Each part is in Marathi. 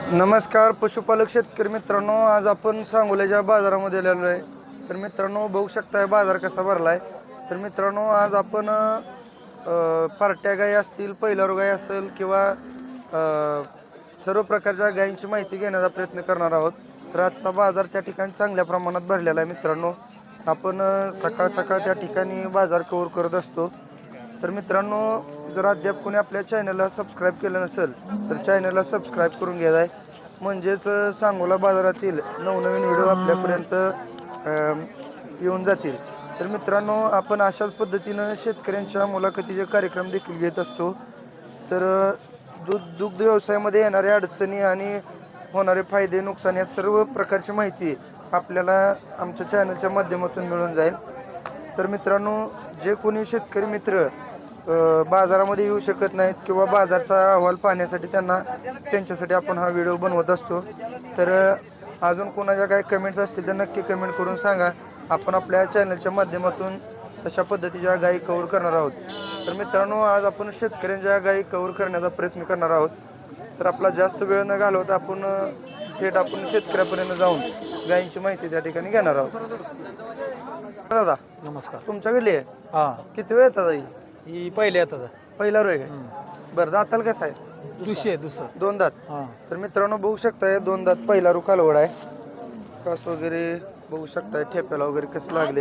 नमस्कार पशुपालक शेतकरी मित्रांनो, आज आपण सांगोल्याच्या बाजारामध्ये आलेलो आहे. तर मित्रांनो बघू शकताय बाजार कसा भरलाय. तर मित्रांनो आज आपण पार्ट्या गाई असतील, पहिल्यावर गाई असेल किंवा सर्व प्रकारच्या गायींची माहिती घेण्याचा प्रयत्न करणार आहोत. तर आजचा बाजार त्या ठिकाणी चांगल्या प्रमाणात भरलेला आहे. मित्रांनो आपण सकाळ सकाळ त्या ठिकाणी बाजार कव्हर करत असतो. तर मित्रांनो जर अद्याप कोणी आपल्या चॅनलला सबस्क्राईब केलं नसेल तर चॅनलला सबस्क्राईब करून घ्यायचं आहे. म्हणजेच सांगोला बाजारातील नवनवीन व्हिडिओ आपल्यापर्यंत येऊन जातील. तर मित्रांनो आपण अशाच पद्धतीनं शेतकऱ्यांच्या मुलाखतीचे कार्यक्रम देखील घेत असतो. तर दुग्ध व्यवसायामध्ये येणाऱ्या अडचणी आणि होणारे फायदे नुकसान या सर्व प्रकारची माहिती आपल्याला आमच्या चॅनलच्या माध्यमातून मिळून जाईल. तर मित्रांनो जे कोणी शेतकरी मित्र बाजारामध्ये येऊ शकत नाहीत किंवा बाजारचा अहवाल पाहण्यासाठी त्यांच्यासाठी आपण हा व्हिडिओ बनवत असतो. तर अजून कोणाच्या काही कमेंट्स असतील तर नक्की कमेंट करून सांगा. आपण आपल्या चॅनलच्या माध्यमातून तशा पद्धतीच्या गायी कव्हर करणार आहोत. तर मित्रांनो आज आपण शेतकऱ्यांच्या गायी कव्हर करण्याचा प्रयत्न करणार आहोत. तर आपला जास्त वेळ न घालवता आपण थेट शेतकऱ्यापर्यंत जाऊन गायींची माहिती त्या ठिकाणी घेणार आहोत. दादा नमस्कार. तुमच्याकडली आहे? हा, किती वेळ येतात आई? ही पहिल्या येताच पहिला रोय काय? बरं दाताला कसं आहे? दुसरं. दोन दात. हा, तर मित्रांनो बघू शकताय दोन दात पहिला रू कालवड आहे. कास वगैरे बघू शकताय, ठेप्याला वगैरे कसं लागले,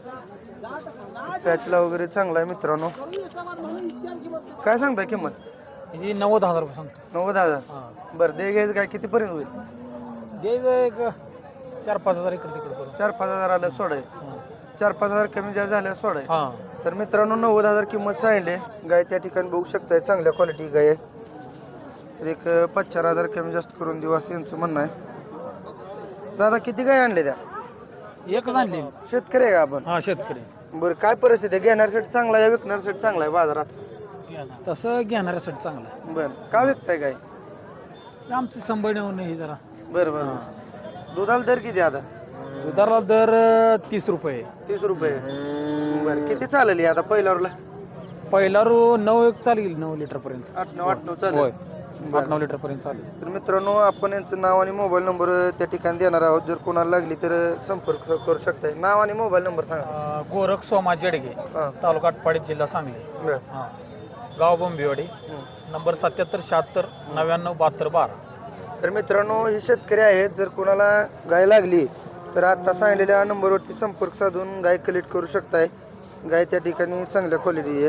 पॅचला वगैरे चांगला आहे. मित्रांनो काय सांगताय किंमत? हिची 90,000 रुपये सांगतो. 90,000. हा, बरं दे घ्यायचं काय कितीपर्यंत होईल? द्यायचं एक 4-5 हजार इकडे तिकडे करून. 4-5 हजार आलं सोडाय. 4-5 हजार कमी जास्त झाल्या सोडाय. हा, तर मित्रांनो 90,000 किंमत सांगितली. गाय त्या ठिकाणी बघू शकताय चांगल्या क्वालिटी गाय आहे. तर एक 5-4 हजार कमी जास्त करून देऊ असं यांचं म्हणणं आहे. दादा किती गाय आणले त्या? एकच आणली. शेतकरी आहे का आपण? हा, शेतकरी. बरं काय परिस्थिती आहे? घेणाऱ्यासाठी चांगला आहे, विकणाऱ्यासाठी चांगला आहे बाजारात? तसं घेणाऱ्यासाठी चांगलं आहे. बरं का विकताय गाय? आमची संभाळण्यावर नाही जरा. बरं बरं. दुधाला दर किती आता? दुधाला दर 30 रुपये. 30 रुपये. बरं किती चालेल आता पहिल्यावरला? पहिला रो 9 चालेल, 9 लिटर पर्यंत. 8-9 चालेल. होय, 8-9 लिटर पर्यंत चालेल. तर मित्रांनो आपण यांचं नाव आणि मोबाईल नंबर त्या ठिकाणी देणार आहोत. जर कोणाला लागली तर संपर्क करू शकताय. नाव आणि मोबाईल नंबर सांगा. गोरख सोमा जेडगे, हां तालुका आटपाडी, जिल्हा सांगली. बरं. हां, गाव बोंबिवडी. नंबर 77 76 99 72 12. तर मित्रांनो हे शेतकरी आहेत. जर कोणाला गाय लागली तर आता सांगलेल्या नंबरवरती संपर्क साधून गाय कलेक्ट करू शकताय. गाय त्या ठिकाणी चांगल्या क्वालिटी आहे.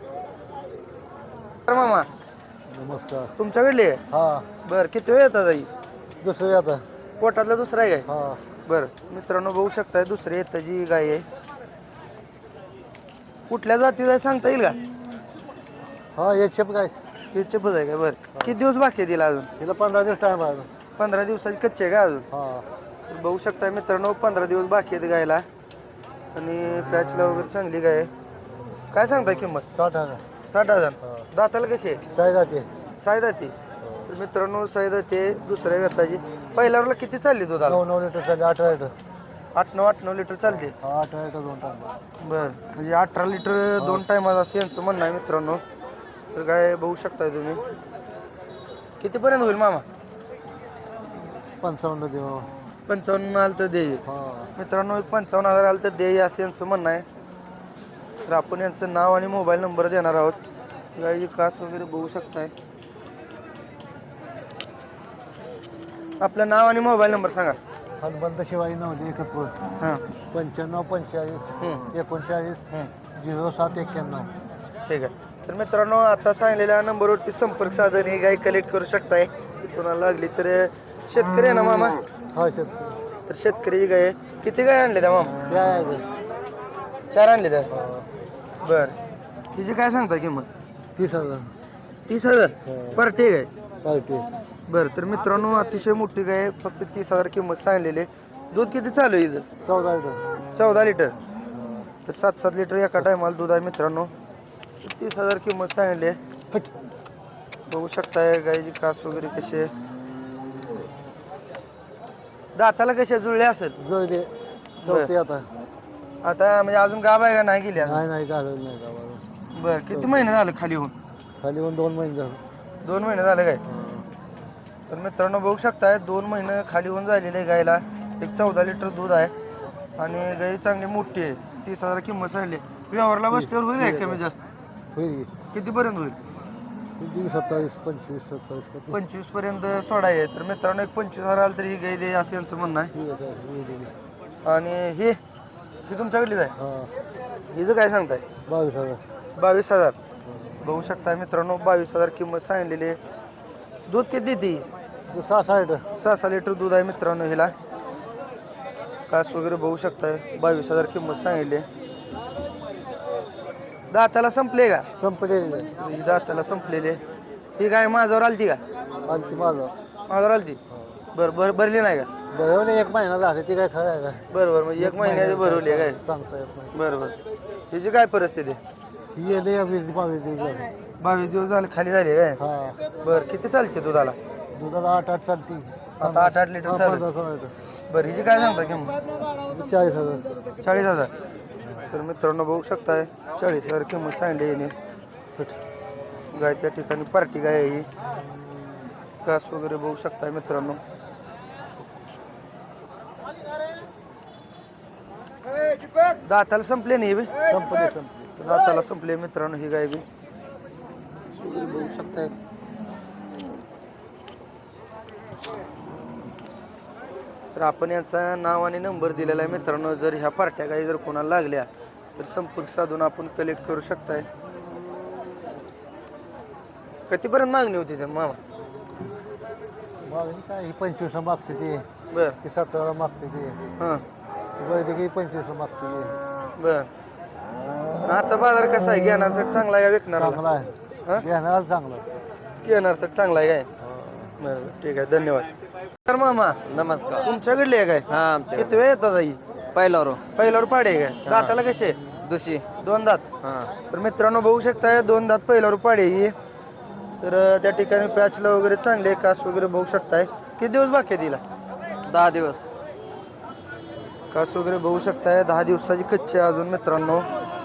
तर मामा नमस्कार. तुमच्याकडली आहे? हा, बरं किती वेळ येतात आई? दुसरं आता. पोटातला दुसरा आहे काय? हा, बरं मित्रांनो बघू शकताय दुसरी येताची गाय आहे. कुठल्या जातीचा आहे सांगता येईल का? हा, एक शेप काय हे चपच आहे का? बरं किती दिवस बाकी आहे तिला अजून? तिला 15 दिवस टाइम आहे. 15 दिवसाची कच्चे आहे का अजून? हा, तर बघू शकताय मित्रांनो 15 दिवस बाकी आहेत गायला. आणि पॅचला वगैरे चांगली गाय आहे. काय सांगताय किंमत? 60,000. 60,000. हा. दाताला कशी आहे? काय जाते? सायदाती. तर मित्रांनो सायदाती दुसऱ्या व्यताची. पहिल्यावरला किती चालली दुधाला? 9 लिटर चालले, 18 लिटर. 8-9 लिटर चालते. हा, 18 लिटर 2 टाइम. बरं म्हणजे 18 लिटर 2 टायमात असं यांचं म्हणणं आहे मित्रांनो. तर काय बघू शकताय तुम्ही. कितीपर्यंत होईल मामा? 55 देऊ. 55 आलं तर दे. हा, मित्रांनो 55,000 आलं तर दे असं यांचं म्हणणं आहे. तर आपण यांचं नाव आणि मोबाईल नंबर देणार आहोत. गायची कास वगैरे बघू शकताय. आपलं नाव आणि मोबाईल नंबर सांगा. हनुमंत शिवाजी नवली एकत्र. हां 95 45 39 07 91. ठीक आहे. तर मित्रांनो आता सांगलेल्या नंबरवरती संपर्क साधन ही गाय कलेक्ट करू शकताय. कोणाला लागली तर शेतकरी आहे ना मामा? हा, शेतकरी. तर शेतकरी गाय आहे. किती गाय आणले त्या मामा? काय आहे? 4 आणले त्या. हा, बरं हिची काय सांगता किंमत? 30,000. 30,000. बरं ठीक आहे. पार्टी. बरं तर मित्रांनो अतिशय मोठी गाय आहे. फक्त 30,000 किंमत सांगलेली आहे. दूध किती चालू आहे हिचं? 14 लिटर. 14 लिटर. तर 7-7 लिटर एका टायमाला दूध आहे मित्रांनो. 30,000 किंमत सांगली आहे. बघू शकताय गायची कास वगैरे कशी आहे. दाताला कशा जुळले असेल? जुळले. चौथी आता. आता म्हणजे अजून गाभ आहे का नाही गेली? नाही घालवलं नाही गावाला. बरं किती महिने झाले खाली होऊन? खाली येऊन 2 महिने झाले. 2 महिने झाले काय? तर मित्रांनो बघू शकताय 2 महिने खाली होऊन झालेले आहे गायला. एक 14 लिटर दूध आहे आणि गाय चांगली मोठी आहे. 30,000 किंमत सांगली. व्यवहारला बसल्यावर होईल काय कमी जास्त? होईल कितीपर्यंत होईल? की 27 25 27 25 पर्यंत सोडा आहे. तर मित्रांनो एक 25,000 आलं तरी ही गाय दे असं यांचं म्हणणं आहे. आणि हे तुमच्याकडलीच आहे. हां हिचं काय सांगताय? 22,000 22,000. बघू शकताय मित्रांनो 22,000 किंमत सांगलेली आहे. दूध किती देते? 6 6 लिटर दूध आहे मित्रांनो हिला. कास वगैरे बघू शकताय. 22,000 किंमत सांगितली आहे. दाताला संपले का? संपलेली ही दाताला संपलेली आहे. ही गाय माझ्यावर आलती का? आलती माझं माझ्यावर आलती. बरं भरली नाही का? बरोबर 1 महिना झाला ती काय खरं आहे का बरं म्हणजे 1 महिन्याची भरवली आहे काय? सांगता येत नाही बरं हिची काय परिस्थिती आहे? ही येले 20-22 दिवस झाले 22 दिवस झाले खाली झाले काय? हां बरं किती चालते दुधाला? दुधाला 8 चालती आता 8 लिटर चालेल. 15-16 लिटर बरं हिची काय सांगता किंमत? 40,000 40,000. तर मित्रांनो बघू शकताय 40,000 किंमत सांगली याने. गाय त्या ठिकाणी पार्टी गाय आहे ही. कास वगैरे बघू शकताय मित्रांनो. दाताला संपले नाही बे? संपले दाताला संपले मित्रांनो ही गाय बी. कास वगैरे बघू शकताय. तर आपण याचा नाव आणि नंबर दिलेला आहे मित्रांनो. जर ह्या पार्ट्या गाई जर कोणाला लागल्या तर संपर्क साधून आपण कलेक्ट करू शकताय. कितीपर्यंत मागणी होती त्या मामा? मागणी काय ही 25 मागते ती बर ती 17 मागते ती हां वैद्यकीय 25 मागते ती बर. आजचा बाजार कसा आहे? घेण्यासाठी चांगला आहे का विकणार? चांगला आहे हां घेण्याला चांगला घेण्यासाठी चांगला आहे काय? बरं ठीक आहे धन्यवाद. तर मामा नमस्कार. तुमच्याकडली आहे काय? हा आमच्या किती वेळ येतात आई? पहिल्यावर पहिल्यावर पाडे आहे काय? दाताला कसे? दुसरी 2 दात. हा तर मित्रांनो बघू शकताय 2 दात पहिल्यावर पाडे ही. तर त्या ठिकाणी पॅचला वगैरे चांगले कास वगैरे बघू शकताय. किती दिवस बाकी आहे तिला? 10 दिवस. कास वगैरे बघू शकताय. 10 दिवसाची कच्ची आहे अजून मित्रांनो.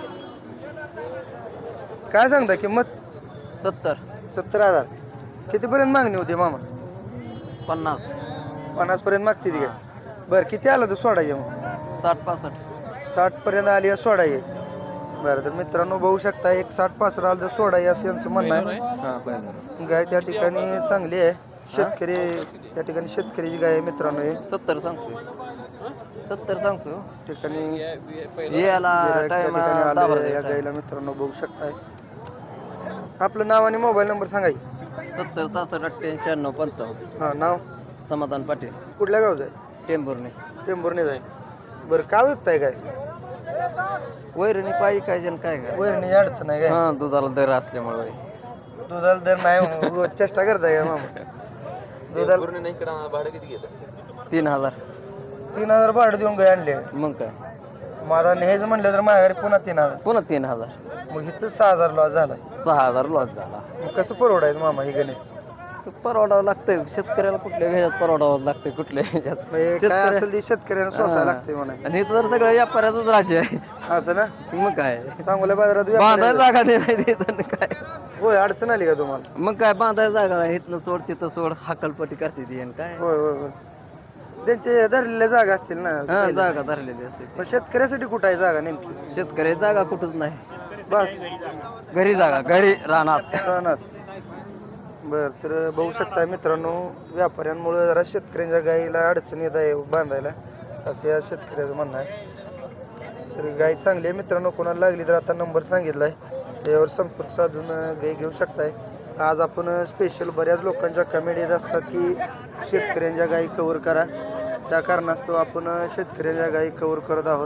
काय सांगता किंमत? 70 70,000. कितीपर्यंत मागणी होती मामा? 50 50 पर्यंत मागते ती काय? बरं किती आलं तर सोडायचे मग? 60 65 60 पर्यंत आली आहे सोडायचे. बरं तर मित्रांनो बघू शकता एक 60-65 आलं तर सोडायचे असं यांचं म्हणणं आहे. हा पहिलं गाय त्या ठिकाणी चांगली आहे. शेतकरी त्या ठिकाणी शेतकऱ्याची गाय आहे मित्रांनो. हे 70 सांगतोय 70 सांगतोय ठिकाणी याला गिऱ्हाईक त्या टाइम ठिकाणी आलेलं आहे. या गायला मित्रांनो बघू शकताय. आपलं नाव आणि मोबाईल नंबर सांगाय. 70 66 98 96 55. हां नाव? समाधान पाटील कुठल्या गावचं आहे? टेंभुर्णी. टेंभुर्णीच आहे. बरं काय विकताय काय? वैरणी पाहिजे काय जण काय काय वैरणी अडचण आहे काय? हा दुधाला दर असल्यामुळे दुधाला दर नाही म्हणून चेष्टा करताय का मामा? दुधाला 3000. 3,000 भाडं देऊन गाय आणले. मग काय माझा न्यायचं म्हणलं तर माझ्या घरी पुन्हा 3,000. पुन्हा 3000. मग इथं 6,000 लॉस झाला. 6000 लॉस झाला. मग कसं परवडायचं मामा ही गणे? ते परवडावं लागतंय शेतकऱ्याला. कुठल्या ह्याच्यात परवडावं लागतंय कुठल्या ह्याच्यात म्हणजे काय असेल ते शेतकऱ्यांना सोसायला लागते म्हणा. आणि इथं तर सगळं व्यापाऱ्याचंच राज्य आहे. असं ना? मग काय सांगोला बाजारात बांधायला व्यापारी- जागा नाही तिथं काय. होय अडचण आली का तुम्हाला? मग काय बांधायला जागा नाही. इथनं सोड तिथं सोड हाकलपट्टी करते ती आणि काय होय होय होय. त्यांचे धरलेल्या जागा असतील ना. हा जागा धरलेली असते ती. मग शेतकऱ्यासाठी कुठं आहे जागा नेमकी? शेतकरी जागा कुठंच नाही. बस घरी जागा घरी राहणार. राहणार. बरं तर बघू शकता मित्रांनो व्यापाऱ्यांमुळे जरा शेतकऱ्यांच्या गाईला अडचण येत आहे बांधायला असं या शेतकऱ्याचं म्हणणं आहे. तर गाय चांगली आहे मित्रांनो. कोणाला लागली तर आता नंबर सांगितला आहे त्यावर संपर्क साधून गाय घेऊ शकताय. आज आपण स्पेशल बऱ्याच लोकांच्या कमेंट येत असतात की शेतकऱ्यांच्या गायी कवर करा. त्या कारणास्तव आपण शेतकऱ्यांच्या गायी कवर करत आहोत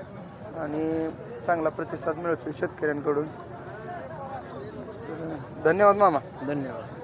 आणि चांगला प्रतिसाद मिळतो शेतकऱ्यांकडून. तर धन्यवाद मामा. धन्यवाद.